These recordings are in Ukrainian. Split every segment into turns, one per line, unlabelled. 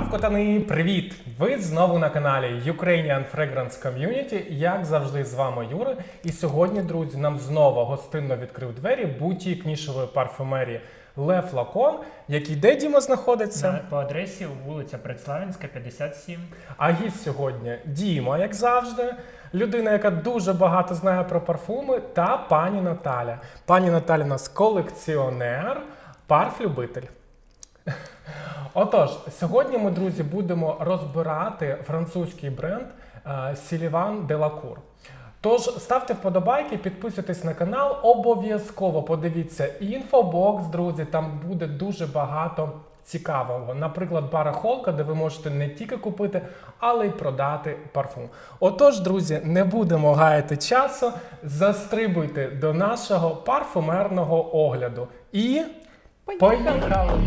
Котани, привіт! Ви знову на каналі Ukrainian Fragrance Community. Як завжди, з вами Юра. І сьогодні, друзі, нам знову гостинно відкрив двері бутік нішевої парфумерії Le Flacon, який де, Діма, знаходиться?
По адресі вулиця Предславянська, 57.
А гість сьогодні Діма, як завжди, людина, яка дуже багато знає про парфуми, та пані Наталя. Пані Наталя у нас колекціонер, парфлюбитель. Отож, сьогодні ми, друзі, будемо розбирати французький бренд Sylvain Delacour. Тож, ставте вподобайки, підписуйтесь на канал, обов'язково подивіться інфобокс, друзі, там буде дуже багато цікавого. Наприклад, барахолка, де ви можете не тільки купити, але й продати парфум. Отож, друзі, не будемо гаяти часу, застрибуйте до нашого парфумерного огляду. І поїхали!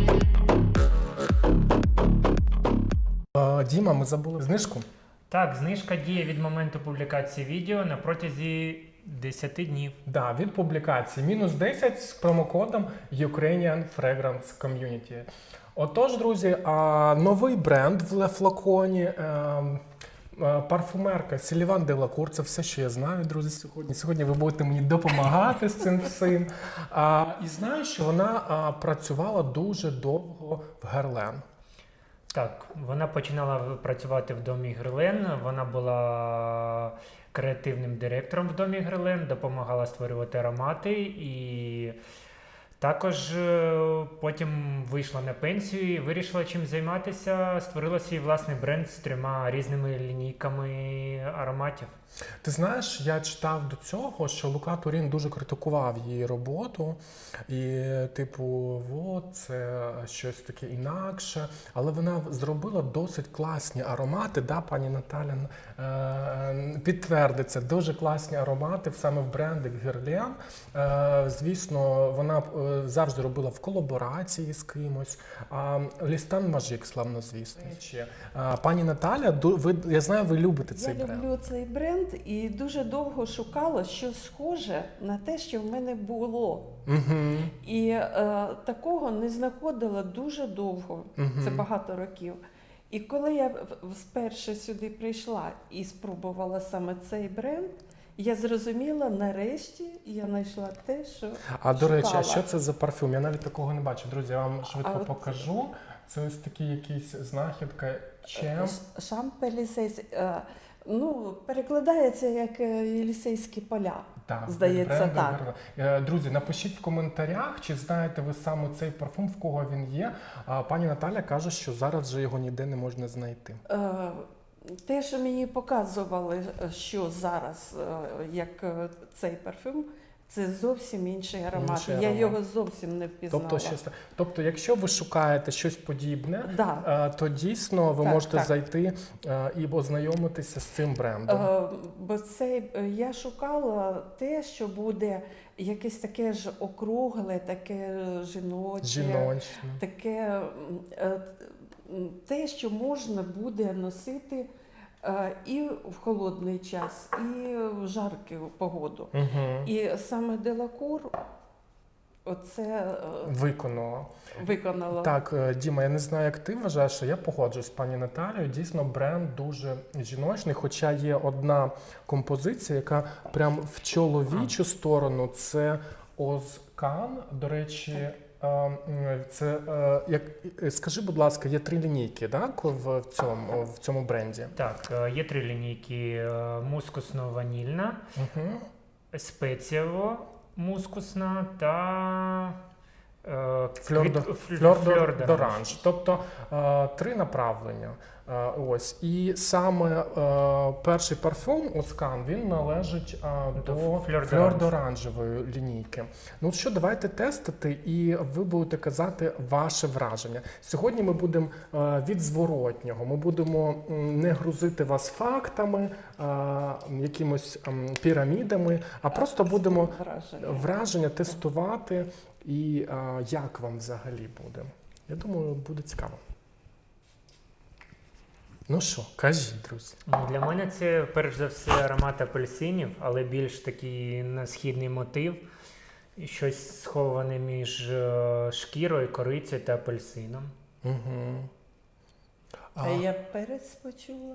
Діма, ми забули знижку.
Так, знижка діє від моменту публікації відео на протязі 10 днів.
Да, від публікації. Мінус 10 з промокодом Ukrainian Fragrance Community. Отож, друзі, новий бренд в Le Flacon, парфумерка Sylvain Delacour. Це все, що я знаю, друзі, сьогодні. Сьогодні ви будете мені допомагати з цим всім. І знаю, що вона працювала дуже довго в Guerlain.
Так, вона починала працювати в домі Guerlain, вона була креативним директором в домі Guerlain, допомагала створювати аромати і також потім вийшла на пенсію і вирішила чим займатися, створила свій власний бренд з 3 різними лінійками ароматів.
Ти знаєш, я читав до цього, що Лука Турін дуже критикував її роботу, і типу, от, це щось таке інакше, але вона зробила досить класні аромати, да, пані Наталя підтвердиться, дуже класні аромати саме в бренді Guerlain. Звісно, вона завжди робила в колаборації з кимось. Лістан Мажик, славнозвісний. Пані Наталя, я знаю, ви любите цей бренд.
Я люблю цей бренд і дуже довго шукала щось схоже на те, що в мене було. І такого не знаходила дуже довго, це багато років. І коли я вперше сюди прийшла і спробувала саме цей бренд, я зрозуміла, нарешті я знайшла те, що
до речі,
шукала.
а що це за парфюм? Я навіть такого не бачу. Друзі, я вам швидко покажу. Це ось такі якісь знахідка.
Шамп-Елісейський. Ну, перекладається як Єлісейські поля,
так,
здається, так.
Друзі, напишіть в коментарях, чи знаєте ви саме цей парфум, в кого він є. Пані Наталя каже, що зараз вже його ніде не можна знайти.
Те, що мені показували, що зараз, як цей парфюм, це зовсім інший аромат. Я його зовсім не впізнала.
Тобто, якщо ви шукаєте щось подібне,
да.
То дійсно ви можете зайти і ознайомитися з цим брендом.
Бо я шукала те, що буде якесь таке ж округле, таке жіноче, таке те, що можна буде носити і в холодний час, і в жарку погоду. І саме Делакур оце виконало.
Так, Діма, я не знаю, як ти вважаєш, а я погоджуюсь з пані Наталією. Дійсно, бренд дуже жіночний, хоча є одна композиція, яка прям в чоловічу сторону, це Озкан, до речі. Це, скажи, будь ласка, є 3 лінійки, так, в цьому бренді?
Так, є 3 лінійки. Мускусно-ванільна, спецієво-мускусна та фльор-д'оранж.
Тобто 3 направлення. Ось. І саме перший парфум Оскан, він належить до фльор-д'оранжевої лінійки. Ну що, давайте тестити, і ви будете казати ваше враження. Сьогодні ми будемо від зворотнього. Ми будемо не грузити вас фактами, якимось пірамідами, а просто будемо враження тестувати. І як вам взагалі буде? Я думаю, буде цікаво. Ну що, кажіть, друзі.
Для мене це, перш за все, аромат апельсинів, але більш такий на східний мотив. Щось сховане між шкірою, корицею та апельсином.
А я перець почула.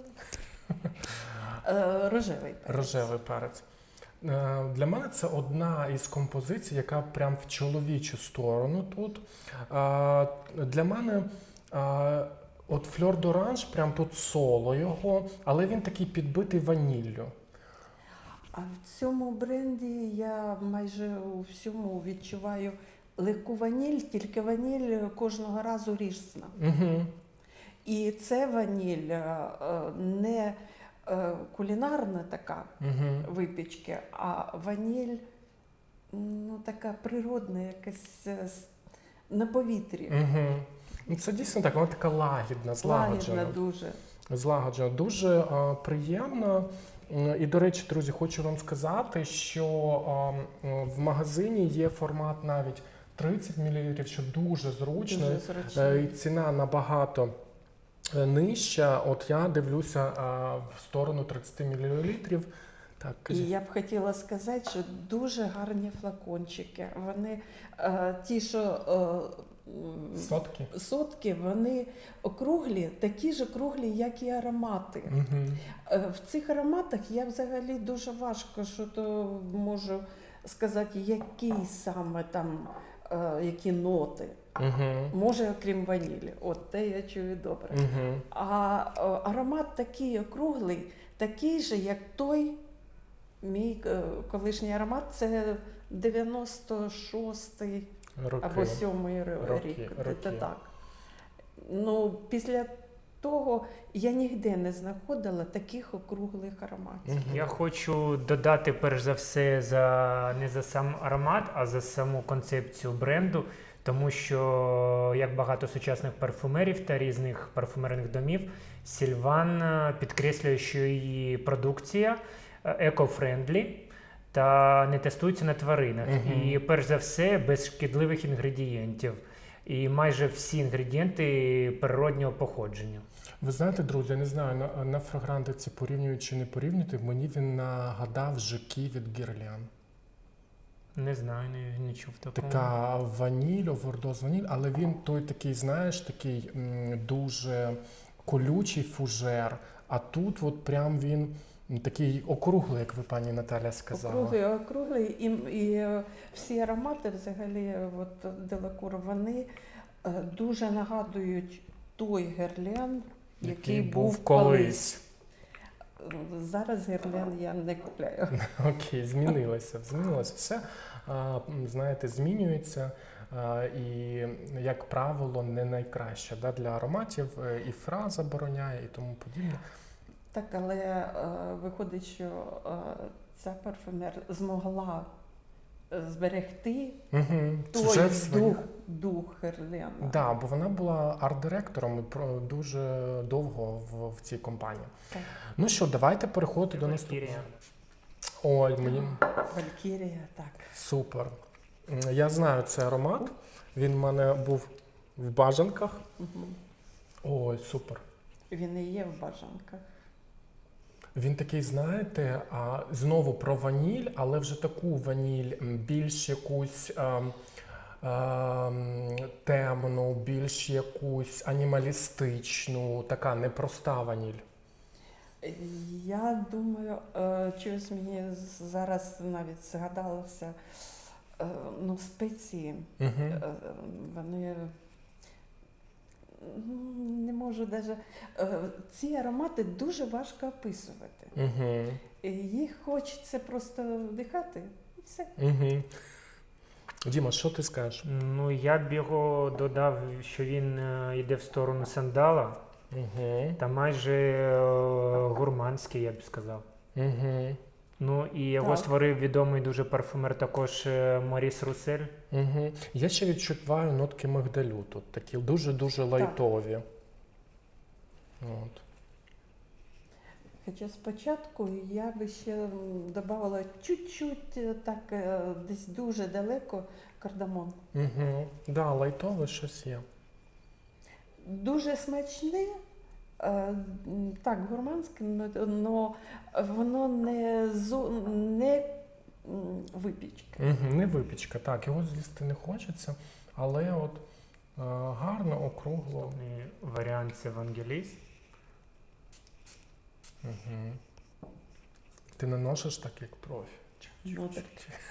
Рожевий перець.
Рожевий перець. Для мене це одна із композицій, яка прям в чоловічу сторону тут. Для мене от Fleur d'Orange, прям тут соло його, але він такий підбитий ваніллю.
А в цьому бренді я майже у всьому відчуваю легку ваніль, тільки ваніль кожного разу різна.
Угу.
І це ваніль не кулінарна така випічка, а ваніль така природна, якась на повітрі.
Угу. Це дійсно так, вона така лагідна, злагоджена.
Лагідна дуже.
Злагоджена. Дуже приємна. І, до речі, друзі, хочу вам сказати, що в магазині є формат навіть 30 мл, що дуже зручно.
Дуже зручно.
І ціна набагато нижча. От я дивлюся в сторону 30 мл. Так,
і я б хотіла сказати, що дуже гарні флакончики. Вони ті, що сотки, вони округлі, такі ж округлі, як і аромати. В цих ароматах я взагалі дуже важко, що то можу сказати, які саме там, які ноти. Може, окрім ванілі. От те я чую добре. А аромат такий округлий, такий же, як той мій колишній аромат, це 96-й або 7-й рік. Так. Ну, після того я ніде не знаходила таких округлих ароматів.
Я хочу додати, перш за все, не за сам аромат, а за саму концепцію бренду. Тому що, як багато сучасних парфумерів та різних парфумерних домів, Сільван підкреслює, що її продукція еко-френдлі та не тестується на тваринах. І, перш за все, без шкідливих інгредієнтів. І майже всі інгредієнти природнього походження.
Ви знаєте, друзі, я не знаю, на фрагрантиці порівнюють чи не порівнюють, мені він нагадав Жаки від Guerlain.
Не знаю, не чув такого.
Така ваніль, овердоз ваніль, але він той такий, знаєш, такий дуже колючий фужер, а тут от прям він такий округлий, як ви, пані Наталя, сказала.
Округлий, і всі аромати взагалі, от Делакур, вони дуже нагадують той Guerlain, який був колись. Зараз Guerlain я не купляю.
Окей, змінилося все. Знаєте, змінюється і, як правило, не найкраще для ароматів. І фра забороняє і тому подібне.
Так, але виходить, що ця парфюмер змогла зберегти той дух Guerlain.
Так, бо вона була арт-директором дуже довго в цій компанії.
Так.
Ну що, давайте переходити до наступного. Ой, мені...
Валькірія, так.
Супер. Я знаю цей аромат. Він в мене був в бажанках. Ой, супер.
Він і є в бажанках.
Він такий, знаєте, знову про ваніль, але вже таку ваніль, більш якусь темну, більш якусь анімалістичну, така непроста ваніль.
Я думаю, чогось мені зараз навіть згадалося, спеції. Вони... Не можу навіть... Ці аромати дуже важко описувати. Їх хочеться просто вдихати і все.
Діма, що ти скажеш?
Ну, я б його додав, що він йде в сторону сандала. Та майже гурманський, я б сказав. Ну, і його створив відомий дуже парфумер також Моріс Русель.
Я ще відчуваю нотки мигдалю тут, такі дуже-дуже лайтові. От.
Хоча спочатку я би ще додавала чуть-чуть, так, десь дуже далеко, кардамон.
Да, лайтове щось є.
Дуже смачне, так, гурманське, але воно не випічка.
Не випічка, так, його з'їсти не хочеться, але от гарно, округло.
Наступний варіант це Евангеліст.
Угу. Ти не носиш так, як профі?
Ну, так.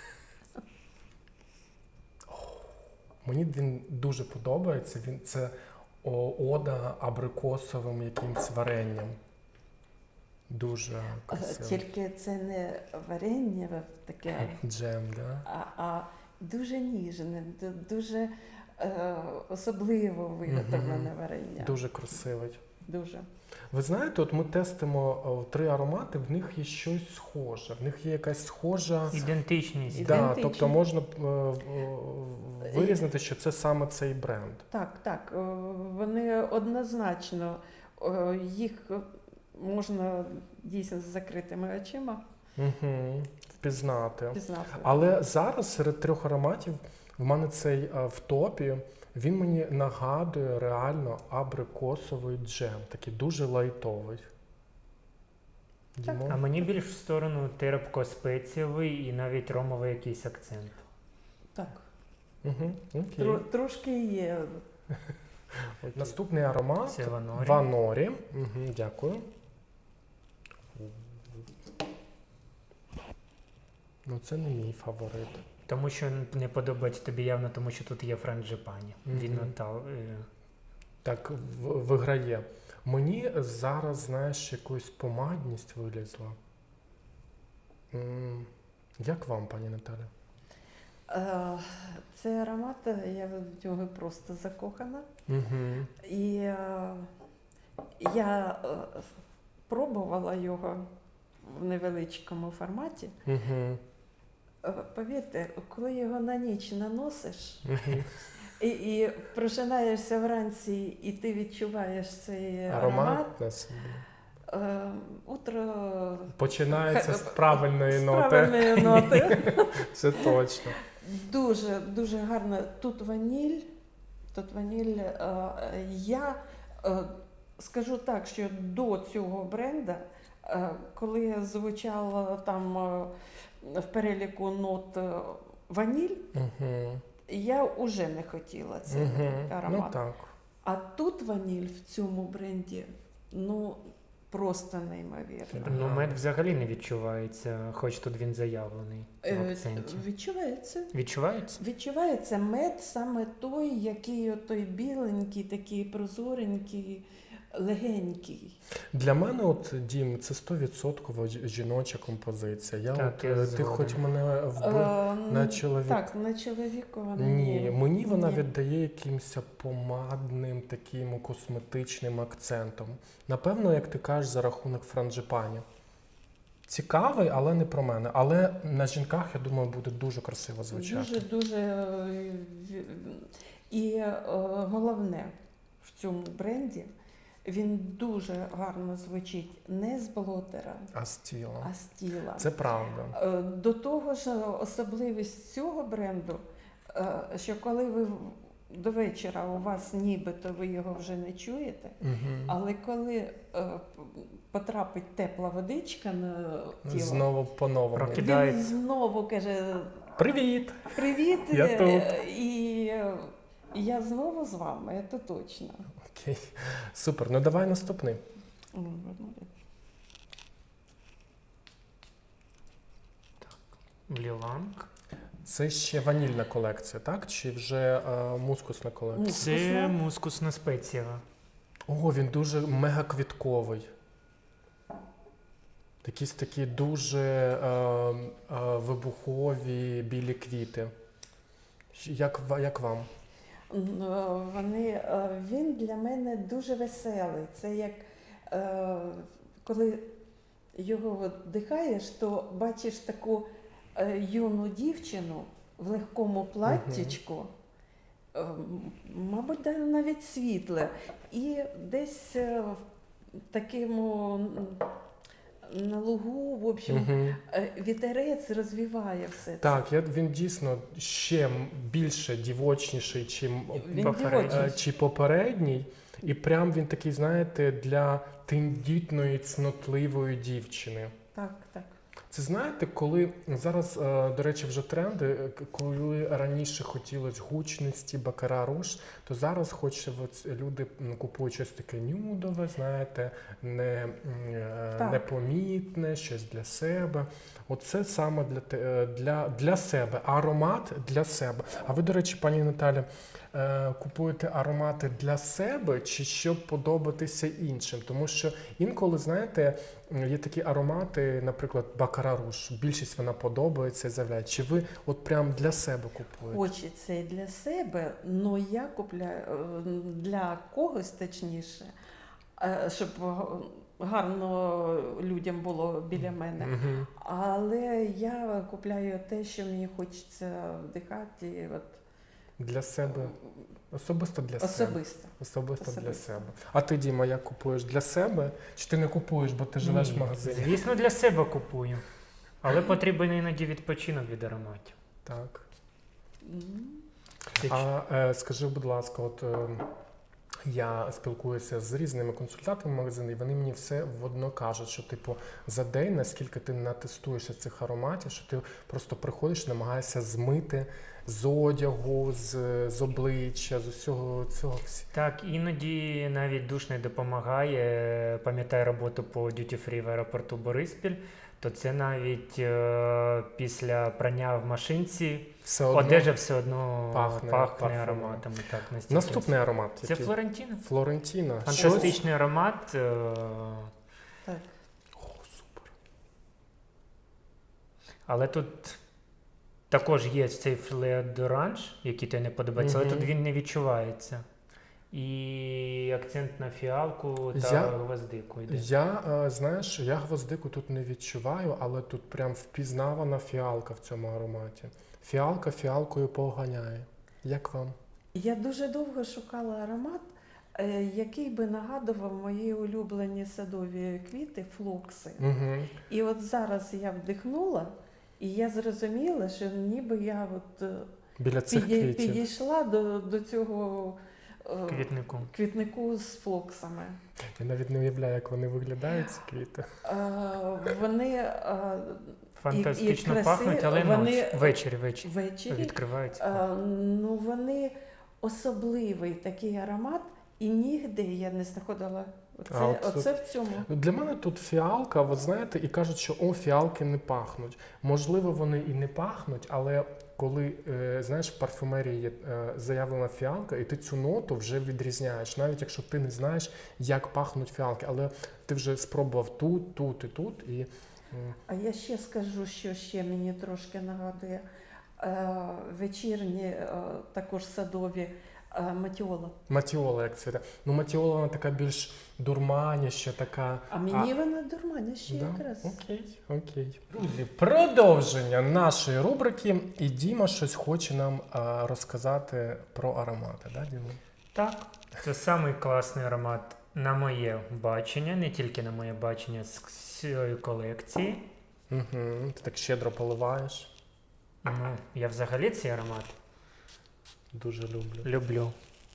Мені він дуже подобається. Це ода абрикосовим якимсь варенням. Дуже красиво.
Тільки це не варення таке,
Джем, да?
а дуже ніжне, дуже особливо виготовлене варення.
Дуже красивий.
Дуже.
Ви знаєте, от ми тестимо 3 аромати, в них є щось схоже, в них є якась схожа...
Ідентичність.
Да,
Ідентичність.
тобто можна вирізнити, що це саме цей бренд.
Так, вони однозначно, їх можна дійсно з закритими очима
Впізнати.
пізнати.
Але зараз серед 3 ароматів в мене цей в топі, він мені нагадує реально абрикосовий джем, такий дуже лайтовий.
Так.
Дімо?
А мені більш в сторону терпко-спецієвий і навіть ромовий якийсь акцент.
Так,
Угу, окей.
трошки є.
Наступний аромат
Це Ванорі.
Ванорі. Дякую. Ну це не мій фаворит.
Тому що не подобається тобі явно, тому що тут є франджипані. Він
Так, виграє. Мені зараз, знаєш, якусь помадність вилізла. Як вам, пані Наталя?
Цей аромат, я в нього просто закохана.
Угу.
І я пробувала його в невеличкому форматі.
Угу.
Повірте, коли його на ніч наносиш
Угу.
і прожинаєшся вранці, і ти відчуваєш цей аромат,
на собі.
утро
Починається з правильної
з
ноти.
правильної ноти.
Це точно.
Дуже, дуже гарно. Тут ваніль. Я скажу так, що до цього бренда, коли звучало там в переліку нот ваніль, я вже не хотіла цей аромат.
Ну так.
А тут ваніль в цьому бренді, ну, просто неймовірно.
Ну, мед взагалі не відчувається, хоч тут він заявлений в акценті.
Відчувається.
Відчувається?
Відчувається мед саме той, який той біленький, такий прозоренький, легенький.
Для мене, от, Дім, це 100% жіноча композиція.
Так, я
ти
згоден.
хоч мене вбив на чоловік.
Так, на чоловіка вона
Ні, мені вона
Ні.
віддає якимось помадним, таким косметичним акцентом. Напевно, як ти кажеш, за рахунок франджипані. Цікавий, але не про мене. Але на жінках, я думаю, буде дуже красиво звучати.
Дуже. І головне в цьому бренді, він дуже гарно звучить не з блотера,
А з тіла.
а з тіла.
Це правда.
До того ж, особливість цього бренду, що коли ви до вечора у вас нібито ви його вже не чуєте, але коли потрапить тепла водичка на тіло,
Знову по-новому.
Прокидається.
він знову каже:
Привіт!
привіт,
Я тут.
і я знову з вами, це точно.
Окей. Супер. Ну давай наступний.
Вліланг.
Це ще ванільна колекція, так? Чи вже мускусна колекція?
Це мускусна спеція.
О, він дуже мегаквітковий. Якісь такі дуже вибухові білі квіти. Як вам?
Він для мене дуже веселий. Це як коли його вдихаєш, то бачиш таку юну дівчину в легкому платтячку, мабуть, навіть світле, і десь в такому на лугу, в общем, вітерець розвіває все це.
Так, він дійсно ще більше дівочніший, чи попередній. І прям він такий, знаєте, для тендітної, цнотливої дівчини.
Так, так.
Це знаєте, коли зараз, до речі, вже тренди, коли раніше хотілося гучності, бакара руж, то зараз хоче люди купують щось таке нюдове, знаєте, непомітне, щось для себе. Оце саме для себе, аромат для себе. А ви, до речі, пані Наталі, купуєте аромати для себе чи щоб подобатися іншим? Тому що інколи, знаєте, є такі аромати, наприклад, бакара руж. Більшість вона подобається і заявляє. Чи ви от прям для себе купуєте?
Хочеться і для себе, але я купляю для когось, точніше, щоб гарно людям було біля мене.
Угу.
Але я купляю те, що мені хочеться вдихати. От.
Для себе. Особисто для себе. Особисто для
Особисто.
себе. А ти, Діма, як купуєш? Для себе? Чи ти не купуєш, бо ти живеш в магазині?
Звісно, для себе купую. Але потрібен іноді відпочинок від ароматів.
Так.
Ти
Скажи, будь ласка, от я спілкуюся з різними консультантами магазину, і вони мені все водно кажуть, що типу за день, наскільки ти натестуєшся цих ароматів, що ти просто приходиш, намагаєшся змити з одягу, з обличчя, з усього цього.
Так, іноді навіть душ не допомагає. Пам'ятаю роботу по дюті-фрі в аеропорту Бориспіль, то це навіть після прання в машинці
Все одно
одежа все одно
пахне
пахне ароматами. Так, настільки.
Наступний аромат.
Це
який?
Флорентіна.
Флорентіна.
Фантастичний аромат.
Так.
О, супер.
Але тут також є цей флеодоранж, який тобі не подобається, але тут він не відчувається. І акцент на фіалку та гвоздику йде.
Знаєш, я гвоздику тут не відчуваю, але тут прям впізнавана фіалка в цьому ароматі. Фіалка фіалкою поганяє. Як вам?
Я дуже довго шукала аромат, який би нагадував мої улюблені садові квіти, флокси.
Угу.
І от зараз я вдихнула, і я зрозуміла, що ніби я от
Біля цих квітів.
підійшла до цього
Квітнику
з флоксами.
Я навіть не уявляю, як вони виглядають, ці квіти.
Вони
фантастично
і
пахнуть, але
вони
ввечері
відкриваються. Ну, вони особливий такий аромат, і нігде я не знаходила. Оце в цьому.
Для мене тут фіалка, от знаєте, і кажуть, що фіалки не пахнуть. Можливо, вони і не пахнуть, але коли, знаєш, в парфумерії є заявлена фіалка, і ти цю ноту вже відрізняєш, навіть якщо ти не знаєш, як пахнуть фіалки, але ти вже спробував тут, тут і тут.
А я ще скажу, що ще мені трошки нагадує вечірні, також садові, матіола.
Матіола, як цвіте. Ну, матіола, вона така більш дурманіща, така...
А мені вона дурманіща якраз.
Окей. Друзі, продовження нашої рубрики. І Діма щось хоче нам розказати про аромати. Да, Діма?
Так, це самий класний аромат на моє бачення, не тільки на моє бачення з цієї колекції.
Угу. Ти так щедро поливаєш.
Ну, я взагалі цей аромат
дуже
люблю.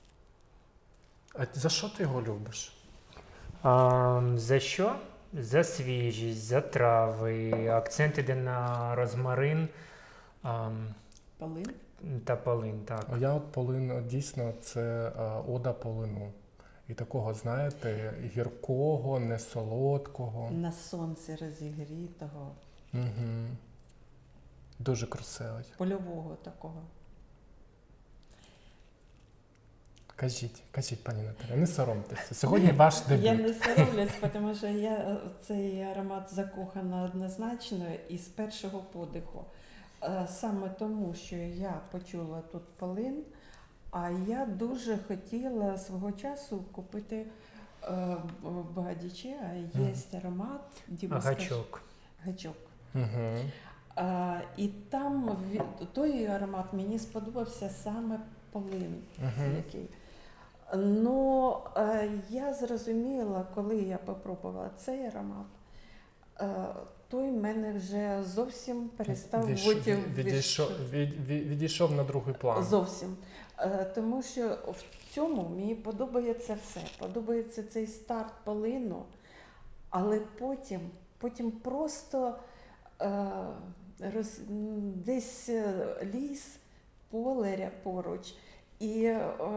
А за що ти його любиш?
За що? За свіжість, за трави, акцент іде на розмарин.
Полин?
Та полин, так.
А я от полин, дійсно, це ода полину. І такого, знаєте, гіркого, не солодкого.
На сонці розігрітого.
Угу. Дуже красивий.
Польового такого.
Кажіть, пані Наталя, не соромтеся. Сьогодні ваш дебют.
Я не соромлюсь, тому що я цей аромат закохана однозначно і з першого подиху. Саме тому, що я почула тут полин, а я дуже хотіла свого часу купити в Багадічі, є аромат
Гачок.
Гачок.
Угу.
І там той аромат мені сподобався саме полин, який. Ну, я зрозуміла, коли я попробувала цей аромат, той мене вже зовсім перестав
відійшов на другий план.
Зовсім. Тому що в цьому мені подобається все. Подобається цей старт полину, але потім просто десь ліс, поле поруч, і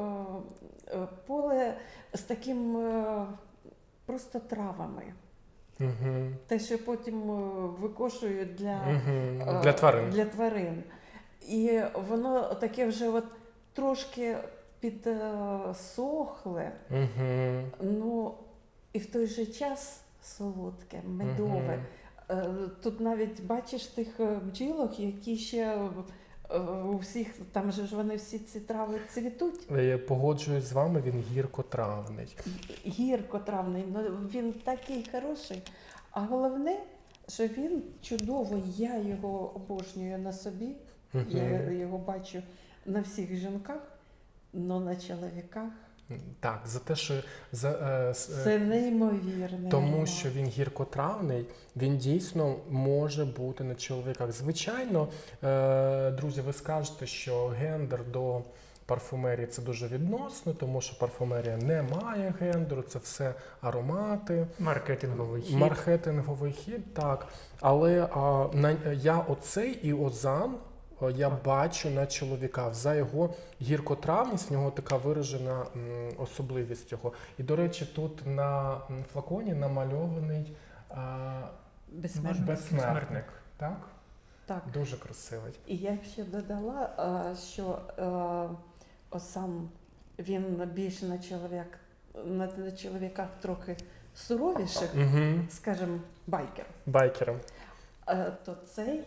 поле з таким просто травами. Те, що потім викошують
для тварин.
Для тварин. І воно таке вже от трошки підсохле, ну і в той же час солодке, медове. Тут навіть бачиш тих бджілок, які ще у всіх, там же ж вони всі ці трави цвітуть.
Я погоджуюсь з вами, він гіркотравний.
Гіркотравний, ну він такий хороший. А головне, що він чудово, я його обожнюю на собі, я його бачу на всіх жінках, але на чоловіках.
Так, за те, що
це неймовірне.
Тому що він гіркотравний, він дійсно може бути на чоловіках. Звичайно, друзі, ви скажете, що гендер до парфумерії це дуже відносно, тому що парфумерія не має гендеру, це все аромати. Маркетинговий хід, так. Але я оцей і озан я бачу на чоловіка. За його гіркотравність, в нього така виражена особливість його. І, до речі, тут на флаконі намальований безсмертник. Так?
Так.
Дуже красивий.
І я ще додала, що сам він більше на чоловіках трохи суровіших, скажімо, байкером. То цей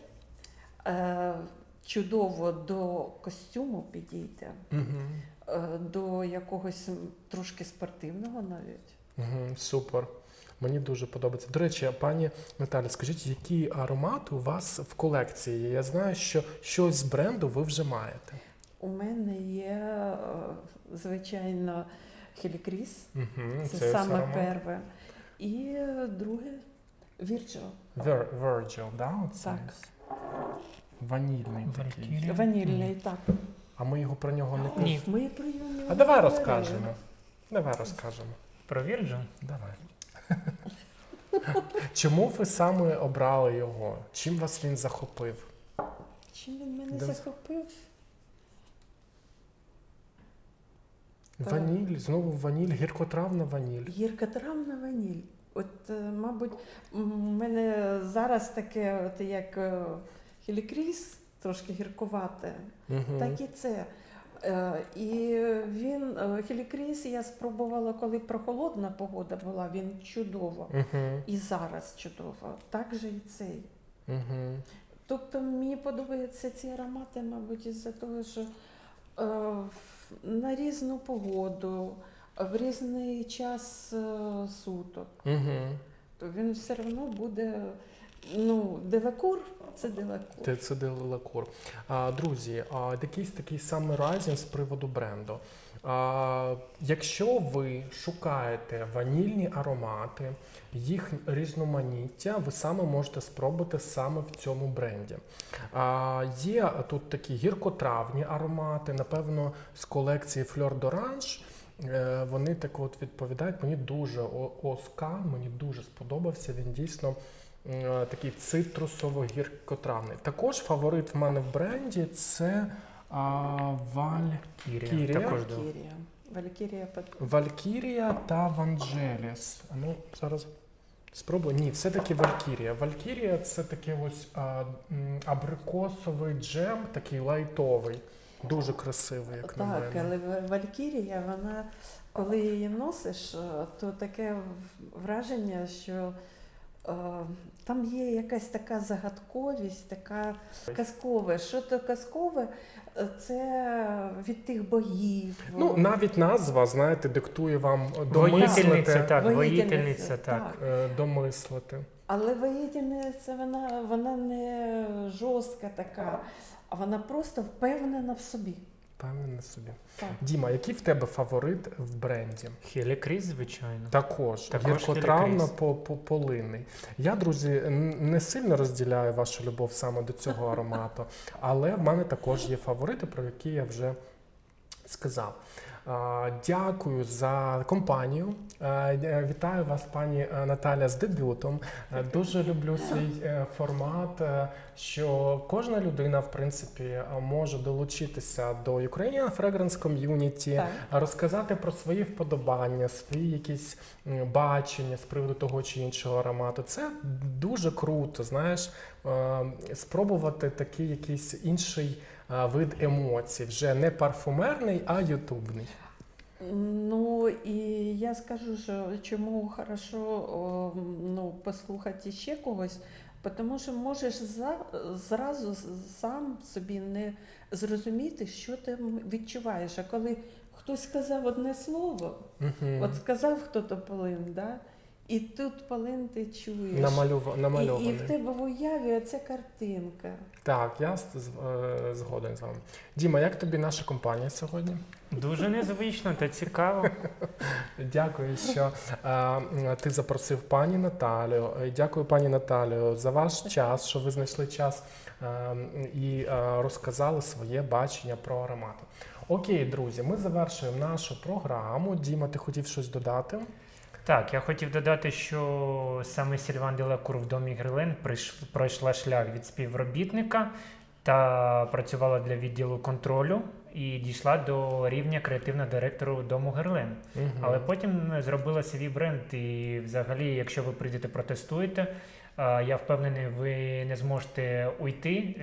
чудово до костюму підійде, до якогось трошки спортивного навіть.
Супер. Мені дуже подобається. До речі, пані Наталі, скажіть, які аромати у вас в колекції? Я знаю, що щось з бренду ви вже маєте.
У мене є, звичайно, Хелікріс. Це саме перше. І друге Virgil.
Virgil, да?
Так.
Ванільний такий.
Ванільний, так.
А ми його про нього не пишемо.
Ми про нього не
А давай розкажемо.
Про Virgil?
Давай. Чому ви саме обрали його? Чим вас він захопив?
Чим він мене захопив?
Ваніль, знову ваніль, гіркотравна ваніль.
Гіркотравна ваніль. От, мабуть, у мене зараз таке, от як Хелікріс, трошки гіркувате, так і це. І він, Хелікріс я спробувала, коли прохолодна погода була, він чудово. І зараз чудово. Так же і цей. Тобто мені подобаються ці аромати, мабуть, із-за того, що на різну погоду, в різний час суток. То він все одно буде, делакур – це делакур.
Це делакур. Друзі, якийсь такий саморайзінг з приводу бренду. Якщо ви шукаєте ванільні аромати, їх різноманіття, ви саме можете спробувати саме в цьому бренді. Є тут такі гіркотравні аромати, напевно, з колекції Fleur d'Orange. Вони так от відповідають, мені дуже Оскан, мені дуже сподобався, він дійсно такий цитрусово-гіркотравний. Також фаворит в мене в бренді – це Валькірія та Ванджеліс. Ну, зараз спробую. Ні, все-таки Валькірія. Валькірія – це такий ось абрикосовий джем, такий лайтовий. Дуже красивий, як на мене.
Так, але Валькірія, вона, коли її носиш, то таке враження, що там є якась така загадковість, така казкове. Що то казкове? Це від тих богів.
Ну, навіть назва, знаєте, диктує вам
домислити.
Воїтельниця, так.
Домислити.
Але воїтельниця, вона не жорстка така, а вона просто впевнена в собі.
Впевнена в собі.
Так.
Діма, який в тебе фаворит в бренді?
Хелікріс, звичайно.
Також гіркотравно-полинний. Я, друзі, не сильно розділяю вашу любов саме до цього аромату, але в мене також є фаворити, про які я вже сказав. Дякую за компанію. Вітаю вас, пані Наталя, з дебютом. Дуже люблю свій формат, що кожна людина, в принципі, може долучитися до Ukrainian Fragrance Community, розказати про свої вподобання, свої якісь бачення з приводу того чи іншого аромату. Це дуже круто, знаєш, спробувати такий якийсь інший вид емоцій, вже не парфумерний, а ютубний.
Ну, і я скажу, що чому хорошо послухати ще когось, тому що можеш зразу сам собі не зрозуміти, що ти відчуваєш. А коли хтось сказав одне слово, от сказав хто-то полин, да? І тут полин ти чуєш.
Намальований.
І в тебе в уяві оця картинка.
Так, я згоден з вами. Діма, як тобі наша компанія сьогодні?
Дуже незвично та цікаво.
Дякую, що ти запросив пані Наталю. Дякую, пані Наталю, за ваш час, що ви знайшли час і розказали своє бачення про аромати. Окей, друзі, ми завершуємо нашу програму. Діма, ти хотів щось додати?
Так, я хотів додати, що саме Сільван Делакур в домі Грилен пройшла шлях від співробітника та працювала для відділу контролю і дійшла до рівня креативного директору дому Герлен. Але потім зробила свій бренд і взагалі, якщо ви прийдете протестуєте, я впевнений, ви не зможете уйти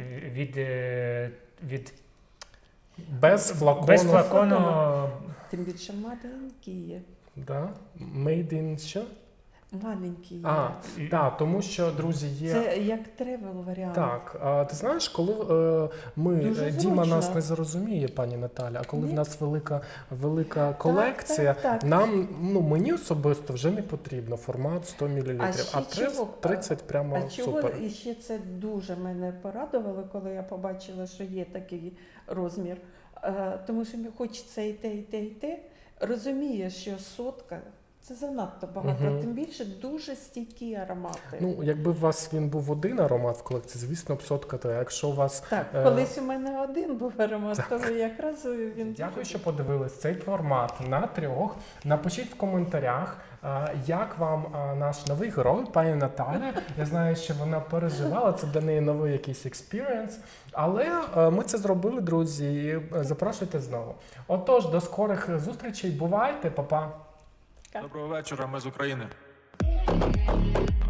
від
без флакону.
Тим більше маленькі є.
Да? Made in що?
Маленькі є.
Так, тому що, друзі, є...
Це як тревел варіант.
Так, ти знаєш, коли Діма нас не зрозуміє, пані Наталя, а коли в нас велика колекція, нам, мені особисто вже не потрібно формат 100 мл, а 30 прямо супер.
І ще це дуже мене порадувало, коли я побачила, що є такий розмір. Тому що мені хочеться і те, і те, і те. Розумієш, що 100 це занадто багато, тим більше дуже стійкі аромати.
Ну, якби у вас він був один аромат в колекції, звісно, 100 то якщо у вас...
Так, колись у мене один був аромат, то якраз він...
Дякую, що подивились цей формат на 3. Напишіть в коментарях, як вам наш новий герой, пані Наталя. Я знаю, що вона переживала, це для неї новий якийсь експірієнс. Але ми це зробили, друзі, і запрошуйте знову. Отож, до скорих зустрічей. Бувайте, па-па.
Доброго вечора, ми з України.